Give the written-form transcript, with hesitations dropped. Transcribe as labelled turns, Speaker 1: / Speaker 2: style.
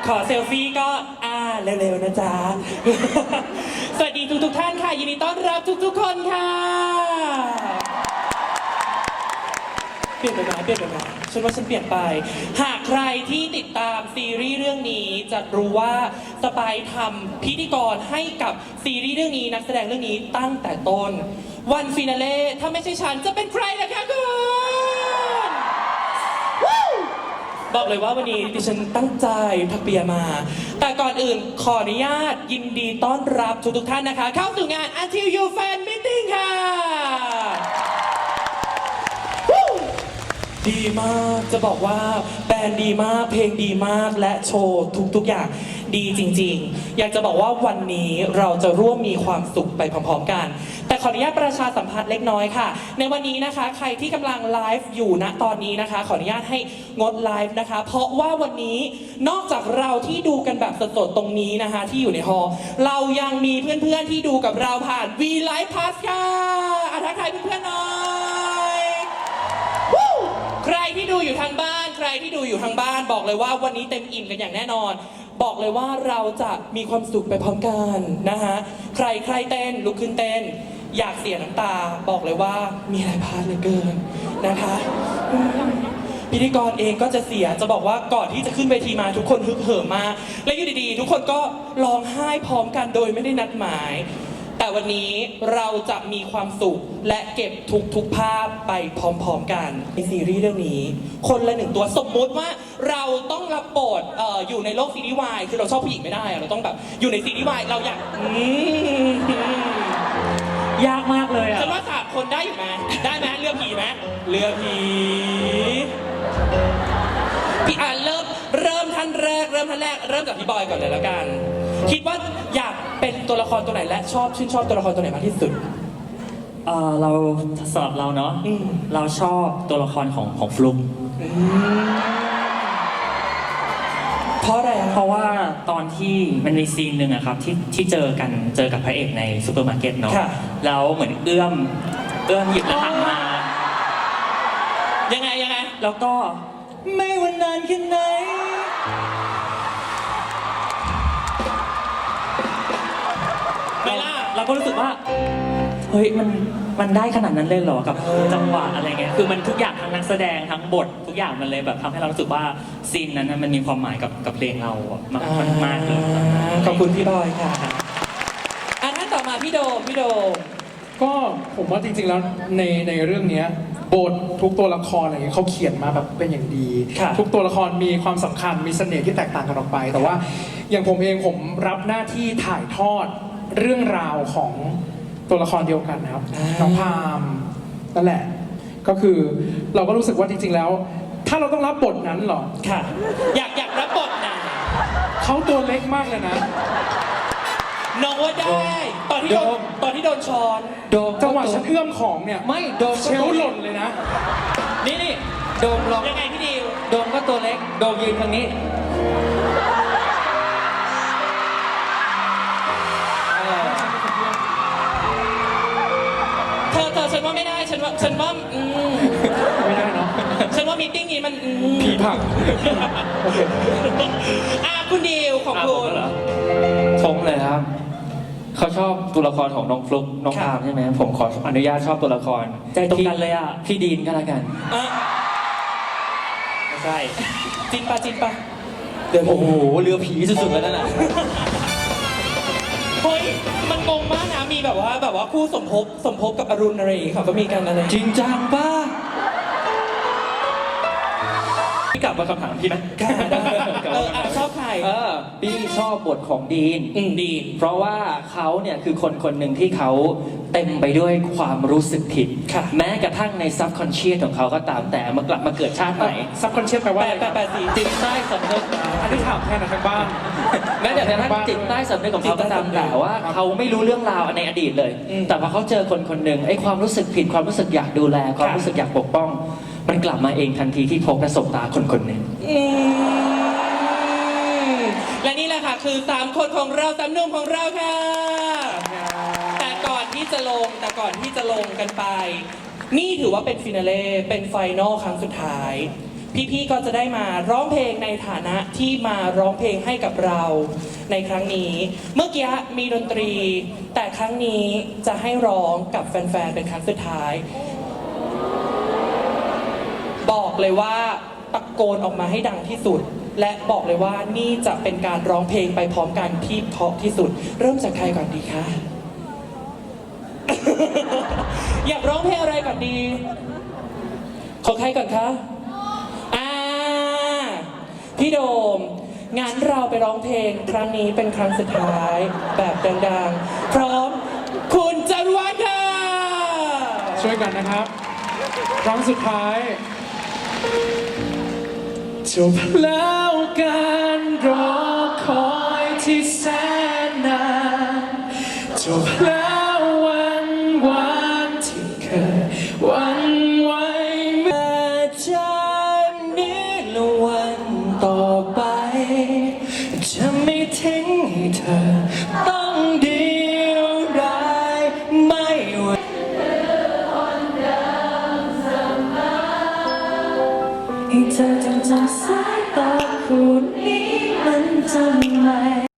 Speaker 1: ขอเซลฟี่ก็เร็วๆนะจ๊ะ สวัสดีทุกท่านค่ะยินดีต้อนรับทุกคนค่ะเปลี่ยนไปไหมฉันว่าฉันเปลี่ยนไปหากใครที่ติดตามซีรีส์เรื่องนี้จะรู้ว่าสไปร์ทำพิธีกรให้กับซีรีส์เรื่องนี้นักแสดงเรื่องนี้ตั้งแต่ต้นวันฟินาเล่ถ้าไม่ใช่ฉันจะเป็นใครล่ะคะคุณบอกเลยว่าวันนี้ดิฉันตั้งใจทักเปียมา แต่ก่อนอื่นขออนุญาตยินดีต้อนรับทุกท่านนะคะเข้าสู่งาน Until You Fan Meeting ค่ะดีมากจะบอกว่าแบรนด์ดีมากเพลงดีมากและโชว์ทุกอย่างดีจริงๆอยากจะบอกว่าวันนี้เราจะร่วมมีความสุขไปพร้อมๆกันแต่ขออนุญาตประชาสัมพันธ์เล็กน้อยค่ะในวันนี้นะคะใครที่กำลังไลฟ์อยู่ณตอนนี้นะคะขออนุญาตให้งดไลฟ์นะคะเพราะว่าวันนี้นอกจากเราที่ดูกันแบบสดๆตรงนี้นะคะที่อยู่ในฮอลล์เรายังมีเพื่อนๆที่ดูกับเราผ่าน V Live Pass ค่ะทักทายเพื่อนๆหน่อยใครที่ดูอยู่ทางบ้านใครที่ดูอยู่ทางบ้านบอกเลยว่าวันนี้เต็มอิ่มกันอย่างแน่นอนบอกเลยว่าเราจะมีความสุขไปพร้อมกันนะคะใครเต้นลุกขึ้นเต้นอยากเสียน้ำตาบอกเลยว่ามีอะไรพลาดเหลือเกินนะคะพิธีกรเองก็จะเสียจะบอกว่าก่อนที่จะขึ้นเวทีมาทุกคนฮึกเหิมมากและอยู่ดีๆทุกคนก็ร้องไห้พร้อมกันโดยไม่ได้นัดหมายแต่วันนี้เราจะมีความสุขและเก็บทุกภาพไปพร้อมๆกันในซีรีส์เรื่องนี้คนละหนึ่งตัวสมมุติว่าเราต้องรับบทอยู่ในโลกซีรีส์วายคือเราชอบผู้หญิงไม่ได้เราต้องแบบอยู่ในซีรีส์วายเราอยาก
Speaker 2: ยากมากเลยอ่ะ
Speaker 1: ฉันว่า3 คนได้อยู่ไหมได้ไหมเรือผีไหมเรือผีพี่เริ่มท่านแรกเริ่มจากพี่บอยก่อนเลยแล้วกันคิดว่าอยากเป็นตัวละครตัวไหนและชื่นชอบตัวละครตัวไหนมากที่สุด
Speaker 2: เราสำหรับเราเนาะเราชอบตัวละครของฟลุ๊ก
Speaker 1: เพราะอะไร
Speaker 2: เพราะว่าตอนที่มันมีซีนหนึ่งอะครับที่เจอกับพระเอกในซูเปอร์มาร์เก็ตเนาะแล้วเหมือนเอื้อมหยิบแล้วหันมา
Speaker 1: ยังไง
Speaker 2: แล้วก็ไม่ว่านานแค่ไหน
Speaker 1: ไม่ล่ะ
Speaker 2: เราก็รู้สึกว่าเฮ้ยมันได้ขนาดนั้นเลยเหรอกับจังหวะอะไรเงี้ยคือมันทุกอย่างทั้งนักแสดงทั้งบททุกอย่างมันเลยแบบทำให้เรารู้สึกว่าซีนนั้นมันมีความหมายกับเพลงเรามากเลย
Speaker 1: ขอบคุณพี่บอยค่ะท่านต่อมาพี่โดม
Speaker 3: ก็ผมว่าจริงๆแล้วในเรื่องนี้บททุกตัวละครอะไรเงี้ยเขาเขียนมาแบบเป็นอย่างดีทุกตัวละครมีความสำคัญมีเสน่ห์ที่แตกต่างกันออกไปแต่ว่าอย่างผมเองผมรับหน้าที่ถ่ายทอดเรื่องราวของตัวละครเดียวกันนะครับน้องพามนั่นแหละก็คือเราก็รู้สึกว่าจริงๆแล้วถ้าเราต้องรับบทนั้นหรอ
Speaker 1: ค่ะอยากรับบทนะ
Speaker 3: เขาตัวเล็กมากเลยนะ
Speaker 1: น้องว่าได้ตอนที่โดนช้อน
Speaker 3: จังหวะฉันเอื้อมของเนี่ย
Speaker 2: ไม่โดม
Speaker 3: เชลหล่นเลยนะ
Speaker 2: นี่โดมลอง
Speaker 1: ยังไงพี่ดิว
Speaker 2: โดมก็ตัวเล็กโดมยืนทางนี้
Speaker 1: เธอฉันว่าไม่ได้ฉันว่า
Speaker 3: ไม่ได้เนาะ
Speaker 1: ฉันว่ามีตติ้งนี้มัน
Speaker 3: ผีผักโอเค
Speaker 1: คุณดิวของคุณ
Speaker 4: ผมเลยครับเขาชอบตัวละครของน้องฟลุ๊กน้องอาร์มใช่ไหมผมขออนุญาตชอบตัวละคร
Speaker 2: ใจตรงกันเลยอ่ะ
Speaker 4: พี่ดีนก็แล้วกัน
Speaker 2: ไม่ใช่
Speaker 1: จินปะ
Speaker 4: เดี๋ยวโอ้โหเรือผีสุดๆแล้วนั่นน่ะ
Speaker 1: เฮ้ยมันงงมากนะมีแบบว่าคู่สมภพกับอรุณอะไรเขาก็มีกันอะไร
Speaker 4: จริงจังป่ะพี่กลับมาคำถามพี่ไหม
Speaker 1: ชอบใคร
Speaker 4: พี่ชอบบทของดีนเพราะว่าเขาเนี่ยคือคนหนึ่งที่เขาเต็มไปด้วยความรู้สึกผิดแม้กระทั่งในซับคอนเชียสของเขาก็ตามแต่มากลับมาเกิดชาติใหม่
Speaker 3: ซับคอนเชียสแปลว่า
Speaker 1: แปลสิ
Speaker 4: จิตใต้สำนึก
Speaker 3: อันนี้ถามแค่ทางบ้าน
Speaker 4: แม้แต่กระทั่งจิตใต้สำนึกของเขาก็ตามแต่ว่าเขาไม่รู้เรื่องราวในอดีตเลยแต่พอเขาเจอคนหนึ่งไอ้ความรู้สึกผิดความรู้สึกอยากดูแลความรู้สึกอยากปกป้องมันกลับมาเองทันทีที่พบและสบตาคนหนึ่ง
Speaker 1: และนี่แหละค่ะคือ3 คนของเรา3 หนุ่มของเราค่ะแต่ก่อนที่จะลงกันไปนี่ถือว่าเป็นฟินาเล่เป็นไฟนอลครั้งสุดท้ายพี่ๆก็จะได้มาร้องเพลงในฐานะที่มาร้องเพลงให้กับเราในครั้งนี้ เมื่อกี้มีดนตรี แต่ครั้งนี้จะให้ร้องกับแฟนๆเป็นครั้งสุดท้าย บอกเลยว่าตะโกนออกมาให้ดังที่สุด และบอกเลยว่านี่จะเป็นการร้องเพลงไปพร้อมกันที่เพราะที่สุด เริ่มจากใครก่อนดีคะ อยากร้องเพลงอะไรก่อนดี ของใครก่อนคะพี่โดมงั้นเราไปร้องเพลงครั้งนี้เป็นครั้งสุดท้ายแบบดังๆ พร้อมคุณจารวัฒน์ค่ะ
Speaker 3: ช่วยกันนะครับ ครั้งสุดท้ายจบแล้วการรอคอยที่แสนนานจบแล้ววันวานที่เคยหวันไหวเมื่อจากนี้และวันต่อไป จะไม่ทิ้งให้เธอต้องเดียวดายไม่ว่าให้เธอจำสายตาคู่นี้มันจะไม่